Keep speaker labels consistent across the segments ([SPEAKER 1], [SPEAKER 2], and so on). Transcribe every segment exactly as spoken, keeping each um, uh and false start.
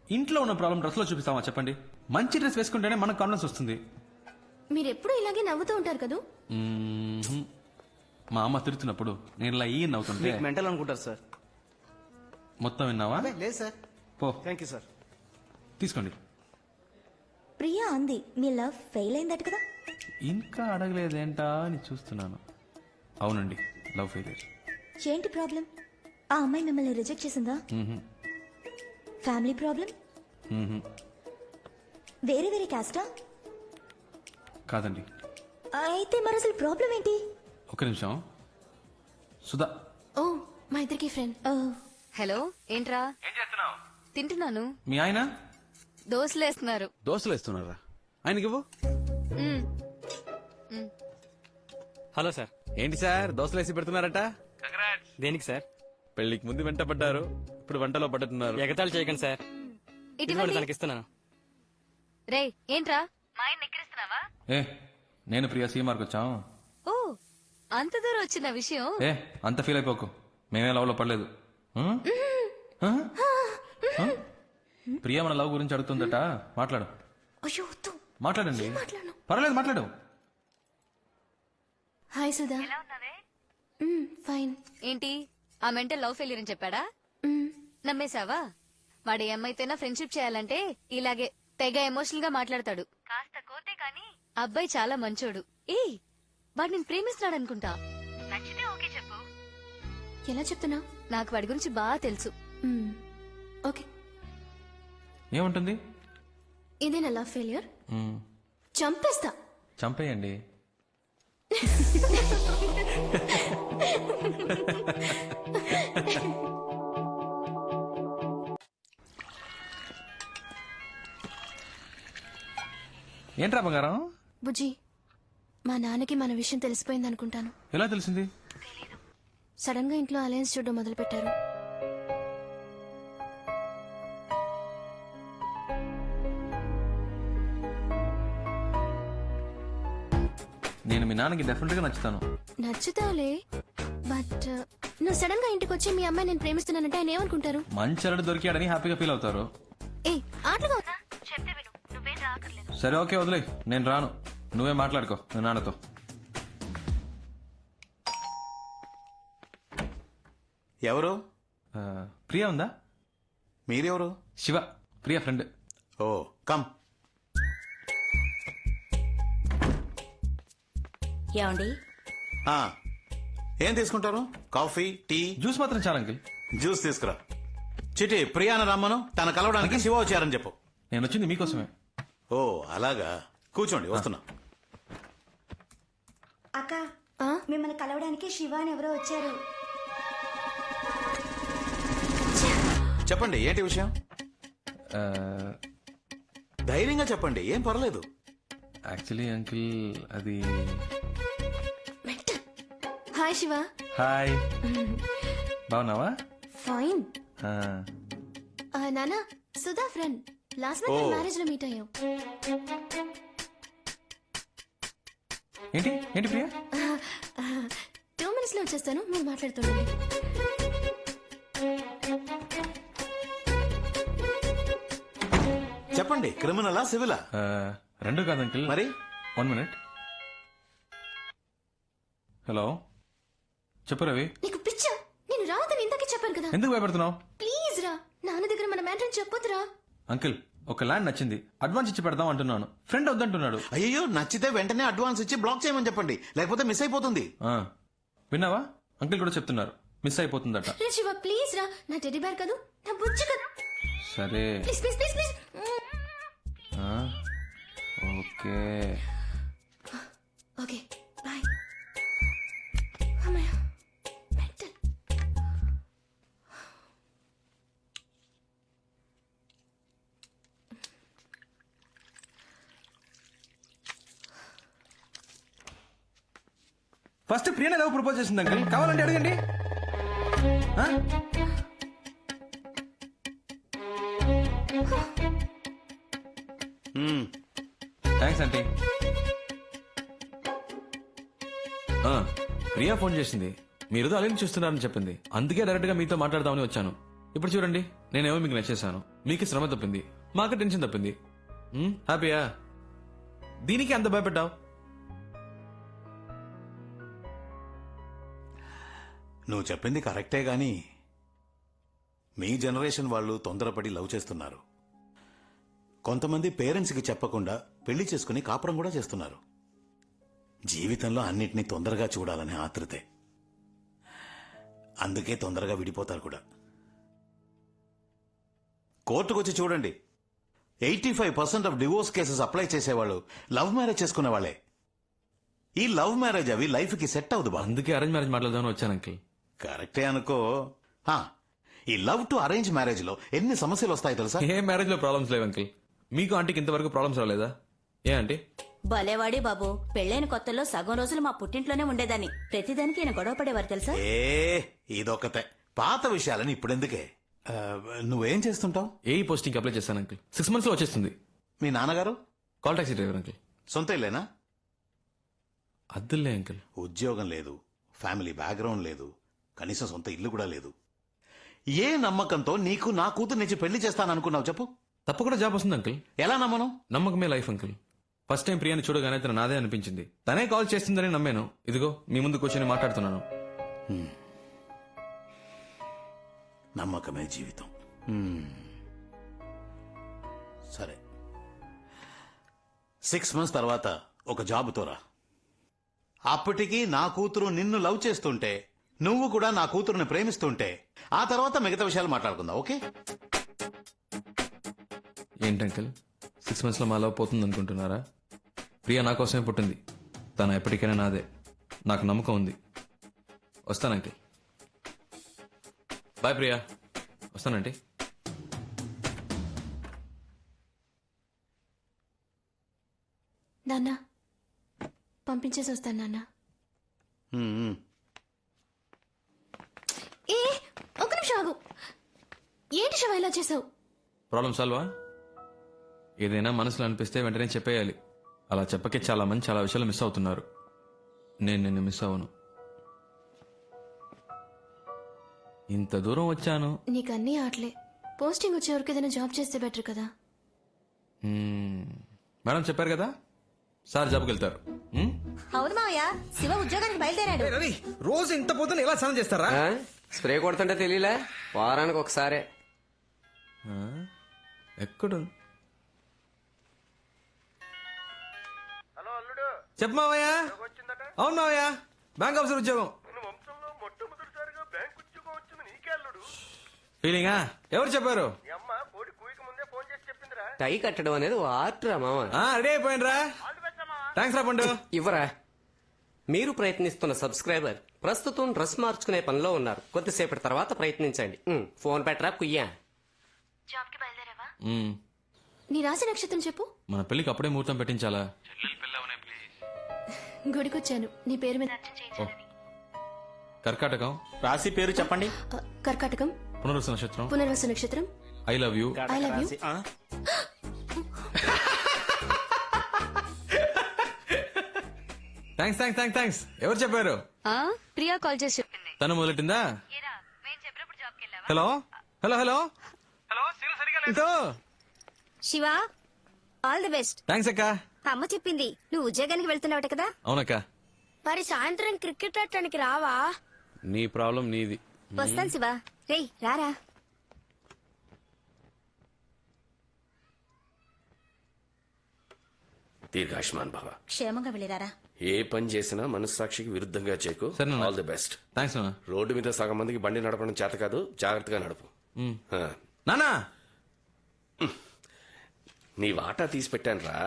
[SPEAKER 1] ఇంట్లో ఉన్న problem dress లో చూపిస్తామా చెప్పండి? మంచి డ్రెస్ వేసుకుంటేనే మనకు కాన్ఫిడెన్స్ వస్తుంది.
[SPEAKER 2] మీరు ఎప్పుడు ఇలాగే నవ్వుతూ ఉంటారు కదా?
[SPEAKER 1] మ్మ్. మా అమ్మ తిడుతున్నప్పుడు నేను ఇలా ఈ నవ్వుతుంటే
[SPEAKER 3] మెంటల్ అనుకుంటారు సార్.
[SPEAKER 1] మొత్తం విన్నావా?
[SPEAKER 3] లేదు సార్.
[SPEAKER 1] పో
[SPEAKER 3] థ్యాంక్ యూ సార్.
[SPEAKER 1] తీసుకోండి.
[SPEAKER 4] ప్రియా అంది మీ లవ్ ఫెయిల్ అయిందట కదా?
[SPEAKER 1] ఇంకా అడగలేదేంటా అని చూస్తున్నాను. అవునండి, లవ్ ఫెయిలియర్.
[SPEAKER 4] ఏంటి ప్రాబ్లం? ఆ అమ్మాయి మిమ్మల్ని రిజెక్ట్ చేసిందా? Family problem? వేరే వేరే క్యాస్టా?
[SPEAKER 1] కాదండి.
[SPEAKER 4] అయితే మరి అసలు ప్రాబ్లం ఏంటి?
[SPEAKER 1] ఒక నిమిషం. సుధా.
[SPEAKER 2] ఓ మా ఇద్దరికి ఫ్రెండ్.
[SPEAKER 5] హలో, ఏంట్రా?
[SPEAKER 1] ఏం చేస్తున్నావు?
[SPEAKER 5] తింటున్నాను.
[SPEAKER 1] మీ ఆయన
[SPEAKER 5] దోశలు వేస్తున్నారు.
[SPEAKER 6] దోశలు వేస్తున్నారా? ఆయనకి ఇవ్వు.
[SPEAKER 3] Hello sir.
[SPEAKER 6] ఏంటి సార్ దోశలు వేసి పెడుతున్నారట?
[SPEAKER 3] దేనికి సార్?
[SPEAKER 6] పెళ్లికి ముందు వెంట పడ్డారు, ఇప్పుడు వంటలో పడుతున్నారు.
[SPEAKER 3] ఎగతాళి చేయకండి సార్.
[SPEAKER 5] ఇటువంటి
[SPEAKER 3] తనకి ఇస్తున్నాను.
[SPEAKER 5] రే, ఏంట్రా మా ఆయన ఎక్కిరిస్తున్నావా?
[SPEAKER 1] ఏ నేను ప్రియా సీమార్కి వచ్చాం.
[SPEAKER 5] ఓ, అంత దూరం వచ్చిన విషయం.
[SPEAKER 1] ఏ అంత ఫీల్ అయిపోకు, మేమే లవ్ లో పడలేదు. ఉం? ఆ? ఆ? ప్రియా మన లవ్ గురించి అడుగుతుందట, మాట్లాడు.
[SPEAKER 4] అయ్యో వద్దు.
[SPEAKER 1] మాట్లాడండి.
[SPEAKER 4] మాట్లాడను.
[SPEAKER 1] పర్వాలేదు, మాట్లాడు.
[SPEAKER 2] హాయ్ సుధా. మ్మ్, ఫైన్.
[SPEAKER 5] ఏంటి ఆ మెంటల్ లవ్ ఫెయిలియర్ అని చెప్పాడా?
[SPEAKER 2] మ్మ్,
[SPEAKER 5] నమ్మేశావా? వాడు ఏమైతేనా ఫ్రెండ్షిప్ చేయాలంటే ఇలాగే తెగ ఎమోషనల్ గా మాట్లాడతాడు. కాస్త కోతే కాని అబ్బాయి చాలా మంచోడు. ఏ వాడు నేను ప్రేమిస్తున్నాడు అనుకుంటా. నచ్చితే ఓకే చెప్పు.
[SPEAKER 2] ఎలా చెప్తున్నా?
[SPEAKER 5] నాకు వాడి గురించి బాగా తెలుసు.
[SPEAKER 2] మ్మ్, ఓకే.
[SPEAKER 1] ఏముంటుంది?
[SPEAKER 2] ఇదే నా లవ్ ఫెయిలియర్.
[SPEAKER 1] ఉం.
[SPEAKER 2] చంపేస్తా.
[SPEAKER 1] చంపేయండి. ఏంట్రా బంగారం?
[SPEAKER 2] బుజ్జి, మా నాన్నకి మన విషయం తెలిసిపోయింది అనుకుంటాను.
[SPEAKER 1] ఎలా తెలిసింది?
[SPEAKER 2] సడన్ గా ఇంట్లో అలయన్స్ చూడడం మొదలు పెట్టారు.
[SPEAKER 1] నేను మీ నాన్నకి డెఫినెట్ గా నచ్చుతాను.
[SPEAKER 2] నచ్చుతావులే, బట్ నువ్వు సడన్ గా ఇంటికి వచ్చి మీ అమ్మాయి నేను ప్రేమిస్తున్నానంటే ఆయన ఏమనుకుంటారు?
[SPEAKER 1] మంచి అల్లుడు దొరికాడని హ్యాపీగా ఫీల్ అవుతారు.
[SPEAKER 2] ఏ ఆటలుగా ఉందా? చెప్తే విను, నువ్వే రాకర్లేదు.
[SPEAKER 1] సరే ఓకే, వదిలే, నేను రాను. నువ్వే మాట్లాడుకో మీ నాన్నతో.
[SPEAKER 7] ఎవరు?
[SPEAKER 1] ఆ, ప్రియా ఉందా?
[SPEAKER 7] మీరెవరు?
[SPEAKER 1] Shiva, Priya friend.
[SPEAKER 7] Oh come.
[SPEAKER 4] ఏమండి?
[SPEAKER 7] ఆ, ఏం తీసుకుంటారు? Coffee, tea?
[SPEAKER 1] జ్యూస్ మాత్రం చాలా అంకిల్.
[SPEAKER 7] జ్యూస్ తీసుకురా. చిటి ప్రియాన రమ్మను, తన కలవడానికి శివ వచ్చారని చెప్పు.
[SPEAKER 1] నేను వచ్చింది మీకోసమే.
[SPEAKER 7] ఓ అలాగా, కూర్చోండి, వస్తున్నా.
[SPEAKER 4] అక్క,
[SPEAKER 2] ఆ?
[SPEAKER 4] మిమ్మల్ని కలవడానికి శివ అని ఎవరో వచ్చారు.
[SPEAKER 7] చెప్పండి, ఏంటి విషయం?
[SPEAKER 1] ఆ,
[SPEAKER 7] ధైర్యంగా చెప్పండి, ఏం పర్లేదు.
[SPEAKER 1] యాక్చువల్లీ అంకిల్ అది.
[SPEAKER 2] హాయ్ శివ.
[SPEAKER 1] హాయ్, బాగున్నావా?
[SPEAKER 2] ఫైన్.
[SPEAKER 1] ఆ,
[SPEAKER 2] నానా, Sudha friend. Last month
[SPEAKER 7] oh.
[SPEAKER 2] Marriage లో మీట్ అయ్యాం.
[SPEAKER 1] ఏంటి ఏంటి ప్రియా?
[SPEAKER 2] టూ మినిట్స్ లో వచ్చేస్తాను, మీరు మాట్లాడుతుండండి.
[SPEAKER 7] చెప్పండి, క్రిమినలా సివిలా?
[SPEAKER 1] ఆ, రెండు కాదు అంకిల్.
[SPEAKER 7] మరి?
[SPEAKER 1] One minute. హలో, చెప్పు రవి.
[SPEAKER 2] నీకు పిచ్చా? నేను రావద్దని ఇందాకే చెప్పాను కదా.
[SPEAKER 1] ఎందుకు భయపడుతున్నావు?
[SPEAKER 2] ప్లీజ్ రా, నాన్న దగ్గర మన మ్యాటర్ చెప్పొద్దురా.
[SPEAKER 1] అంకిల్, ఒక ల్యాండ్ నచ్చింది, అడ్వాన్స్ ఇచ్చి పెడదాం అంటున్నాను. ఫ్రెండ్ వద్దంటున్నాడు.
[SPEAKER 7] అయ్యో, నచ్చితే వెంటనే అడ్వాన్స్ ఇచ్చి బ్లాక్ చేయమని చెప్పండి, లేకపోతే మిస్ అయిపోతుంది.
[SPEAKER 1] ఆ, విన్నావా? అంకిల్ కూడా చెప్తున్నారు, మిస్ అయిపోతుందట.
[SPEAKER 2] రే శివ, ప్లీజ్ రా, నా టెడ్డీ బేర్ కదూ, నా బుజ్జి కదా.
[SPEAKER 1] సరే,
[SPEAKER 2] ప్లీజ్ ప్లీజ్ ప్లీజ్ ప్లీజ్.
[SPEAKER 1] ఆ, ఓకే.
[SPEAKER 2] Okay bye. అమ్మయ్య, మెంటల్.
[SPEAKER 1] ఫస్ట్ ప్రియనే లవ్ ప్రపోజ్ చేసింది అంకిల్, కావాలంటే అడగండి. ఆ?
[SPEAKER 7] మ్మ్.
[SPEAKER 1] Thanks aunty. ఆ, ప్రియా ఫోన్ చేసింది, మీరు అలెన్ చూస్తున్నారని చెప్పింది. అందుకే డైరెక్ట్ గా మీతో మాట్లాడదామని వచ్చాను. ఇప్పుడు చూడండి, నేనేమో మీకు నచ్చేసాను. మీకు శ్రమ తప్పింది, మాకు టెన్షన్ తప్పింది. ఉమ్, హ్యాపీయా? దీనికి అంత భయపడ్డావు?
[SPEAKER 7] నువ్వు చెప్పింది కరెక్టే గాని మీ జనరేషన్ వాళ్ళు తొందరపడి లవ్ చేస్తున్నారు. కొంతమంది పేరెంట్స్కి చెప్పకుండా పెళ్లి చేసుకుని కాపురం కూడా చేస్తున్నారు. జీవితంలో అన్నిటినీ తొందరగా చూడాలనే ఆతృతే. అందుకే తొందరగా విడిపోతారు కూడా. కోర్టుకొచ్చి చూడండి, eighty five percent of divorce cases apply చేసేవాళ్ళు లవ్ మ్యారేజ్ చేసుకునే వాళ్ళే. ఈ లవ్ మ్యారేజ్ అవి లైఫ్ కి సెట్ అవుదు బా.
[SPEAKER 1] అందుకే అరేంజ్ మ్యారేజ్ మాట్లాడదామని వచ్చాను అంకిల్.
[SPEAKER 7] కరెక్టే అనుకో. హా, ఈ లవ్ టు అరేంజ్ మ్యారేజ్ లో ఎన్ని సమస్యలు వస్తాయి తెలుసా?
[SPEAKER 1] ఏ మ్యారేజ్ లో ప్రాబ్లమ్స్ లేవు అంకిల్. మీకు ఆంటీకి ఇంతవరకు ప్రాబ్లమ్స్ రాలేదా? ఏ ఆంటీ?
[SPEAKER 8] భలేవాడి బాబు, పెళ్ళైన కొత్తలో సగం రోజులు మా పుట్టింట్లోనే ఉండేదాన్ని. ప్రతిదానికి ఈయన గొడవ పడేవారు తెలుసా?
[SPEAKER 7] ఏ ఇదొకతే, పాత విషయాలని ఇప్పుడెందుకే. ఆ, నువ్వేం చేస్తుంటావు?
[SPEAKER 1] ఏ పోస్టింగ్ అప్లై చేశాను అంకిల్. సిక్స్ మంత్స్ లో వచ్చేస్తుంది.
[SPEAKER 7] మీ నాన్నగారు
[SPEAKER 1] కాల్ టాక్సీ డ్రైవర్ అంకిల్.
[SPEAKER 7] సొంత ఇల్లేనా?
[SPEAKER 1] అద్దులే అంకిల్.
[SPEAKER 7] ఉద్యోగం లేదు, ఫ్యామిలీ బ్యాక్గ్రౌండ్ లేదు, కనీసం సొంత ఇల్లు కూడా లేదు. ఏ నమ్మకంతో నీకు నా కూతురు నుంచి పెళ్లి చేస్తాననుకున్నావు చెప్పు?
[SPEAKER 1] తప్పకుండా జాబ్ వస్తుంది అంకిల్.
[SPEAKER 7] ఎలా నమ్మను?
[SPEAKER 1] నమ్మకమే లైఫ్ అంకిల్. ఫస్ట్ టైం ప్రియాని చూడగానే తన నాదే అనిపించింది. తనే కాల్ చేస్తుందని నమ్మాను. ఇదిగో మీ ముందు కూర్చొని మాట్లాడుతున్నాను.
[SPEAKER 7] నమ్మకమే జీవితం. హ్మ్. సరే, సిక్స్ మంత్స్ తర్వాత ఒక జాబుతో రా. అప్పటికి నా కూతురు నిన్ను లవ్ చేస్తుంటే, నువ్వు కూడా నా కూతురుని ప్రేమిస్తుంటే, ఆ తర్వాత మిగతా విషయాలు మాట్లాడుకుందాం. ఓకే?
[SPEAKER 1] ఏంటి అంకిల్, సిక్స్ మంత్స్ లో మా లవ్ పోతుంది అనుకుంటున్నారా? ప్రియా నా కోసమే పుట్టింది. తను ఎప్పటికైనా నాదే. నాకు నమ్మకం ఉంది. వస్తాను అంకిల్. బాయ్ ప్రియా. వస్తానండి.
[SPEAKER 2] నాన్న పంపించేసి వస్తాను నాన్న.
[SPEAKER 7] హ్మ్, హ్మ్.
[SPEAKER 2] ఏ ఒక నిమిషం ఆగు. ఏంటి శివ ఇలా చేసావు?
[SPEAKER 1] ప్రాబ్లం సాల్వా? ఏదైనా మనసులో అనిపిస్తే వెంటనే చెప్పేయాలి. అలా చెప్పకే చాలా మంది చాలా విషయాలు మిస్ అవుతున్నారు. నేను నిన్ను మిస్ అవ్వను. ఇంత దూరం వచ్చాను.
[SPEAKER 2] నీకు అన్నీ ఆటలే. పోస్టింగ్ వచ్చే వరకు ఏదైనా జాబ్ చేస్తే బెటర్ కదా.
[SPEAKER 1] మ్మ్. మేడం చెప్పారు కదా, సార్ జాబ్కి వెళ్తారు. మ్మ్?
[SPEAKER 8] అవును మావయ్య, శివ ఉద్యోగానికి బయలుదేరాడు.
[SPEAKER 9] రవి, రోజు ఇంత పొద్దున ఎలా స్నానం చేస్తారా?
[SPEAKER 3] స్ప్రే కొడుతుంటే తెలియలే, వారానికి ఒకసారే.
[SPEAKER 1] ఆ? ఎక్కడు? చెప్పు మావయ్య. అవును మావయ్య, బ్యాంక్ ఆఫీసర్ ఉద్యోగం. ఫీలింగా? ఎవరు చెప్పారు?
[SPEAKER 3] టై కట్టడం అనేది ఓ ఆర్ట్ రా మామ.
[SPEAKER 1] ఆ, రెడీ అయిపోయినరా. థ్యాంక్స్ రా పండు.
[SPEAKER 3] ఇవ్వరా. మీరు ప్రయత్నిస్తున్న సబ్స్క్రైబర్ ప్రస్తుతం డ్రెస్ మార్చుకునే పనిలో ఉన్నారు. కొద్దిసేపటి తర్వాత ప్రయత్నించండి. ఉమ్, ఫోన్ పెట్టరా కుయ్యా.
[SPEAKER 1] మ్మ్.
[SPEAKER 2] నీ రాశి నక్షత్రం చెప్పు.
[SPEAKER 1] మన పెళ్లికి అప్పుడే ముహూర్తం పెట్టించాలా?
[SPEAKER 2] గుడికొచ్చాను నీ పేరు మీద.
[SPEAKER 1] కర్కాటకం.
[SPEAKER 7] రాశి పేరు చెప్పండి.
[SPEAKER 2] ఆ, కర్కాటకం.
[SPEAKER 1] పునరుస నక్షత్రం.
[SPEAKER 2] పునర్వసు నక్షత్రం.
[SPEAKER 1] I love you.
[SPEAKER 2] I love you.
[SPEAKER 1] Thanks thanks thanks thanks. ఎవరు చెప్పారు?
[SPEAKER 5] ఆ, ప్రియా కాల్ చేసి చెప్పింది.
[SPEAKER 1] తను మొదలెట్టిందా? Hello hello hello hello.
[SPEAKER 8] Shiva, all the best.
[SPEAKER 1] Thanks అక్క.
[SPEAKER 8] అమ్మ చెప్పింది నువ్వు ఉద్యోగానికి వెళ్తున్నావట కదా.
[SPEAKER 1] అవునక్క.
[SPEAKER 2] మరి సాయంత్రం క్రికెట్ ఆడటానికి రావా?
[SPEAKER 6] నీ ప్రాబ్లం నీది.
[SPEAKER 8] వస్తాను శివ. రేయ్ రారా.
[SPEAKER 10] దీర్ఘాయుష్మాన్ భవ.
[SPEAKER 8] క్షేమంగా వెళ్ళిరారా.
[SPEAKER 10] ఏ పని చేసినా మనస్సాక్షికి విరుద్ధంగా చేయకు.
[SPEAKER 1] సరే నాన్న.
[SPEAKER 10] All the best.
[SPEAKER 1] థ్యాంక్స్ నాన్న.
[SPEAKER 10] రోడ్డు మీద సగం మందికి బండి నడపడం చేత కాదు, జాగ్రత్తగా నడుపు.
[SPEAKER 1] మ్మ్.
[SPEAKER 10] ఆ.
[SPEAKER 1] నానా.
[SPEAKER 10] నీ వాటా తీసి పెట్టాను రా.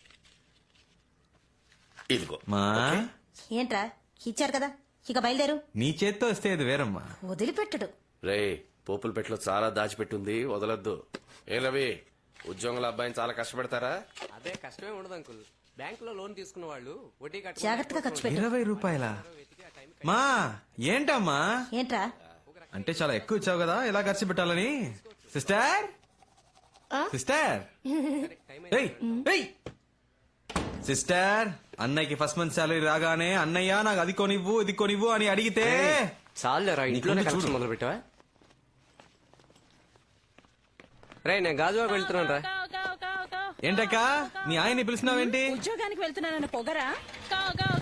[SPEAKER 10] ఇదిగో.
[SPEAKER 1] మా
[SPEAKER 8] ఏంట్రా, ఇచ్చారు కదా, ఇక బయలుదేరు.
[SPEAKER 1] నీ చేత్తో వస్తే అది వేరమ్మా.
[SPEAKER 8] వదిలిపెట్టడు.
[SPEAKER 10] రే, పోపుల పెట్టలో చాలా దాచిపెట్టుంది, వదలొద్దు. ఏ రవి, ఉద్యోగుల అబ్బాయిని చాలా కష్టపెడతారా?
[SPEAKER 3] అదే కష్టమే ఉండదు అంకుల్. బ్యాంక్ లో లోన్ తీసుకున్న వాళ్ళు వడ్డీ కట్ట
[SPEAKER 8] జాగ్రత్తగా ఖర్చు పెట్టు.
[SPEAKER 1] ఇరవై రూపాయల మా ఏంటమ్మా?
[SPEAKER 8] ఏంట్రా,
[SPEAKER 1] అంటే చాలా ఎక్కువ ఇచ్చావు కదా, ఎలా ఖర్చు పెట్టాలని. సిస్టర్ సిస్టర్ ఏయ్, ఏయ్. సిస్టర్, అన్నయ్యకి ఫస్ట్ మంత్ సాలరీ రాగానే అన్నయ్య నాకు అది కొనివ్వు ఇది కొనివ్వు అని అడిగితే
[SPEAKER 3] చాలేరా, ఇంట్లోనే
[SPEAKER 1] నీకు
[SPEAKER 3] కలెక్షన్
[SPEAKER 1] చూడు.
[SPEAKER 3] మొదలు పెట్టావా? రే నేను గాజువాక వెళ్తున్నాను రా.
[SPEAKER 9] ఏంటక్క మీ ఆయన్ని పిలిచినావేంటి?
[SPEAKER 11] ఉద్యోగానికి వెళ్తున్నానన్న పొగరా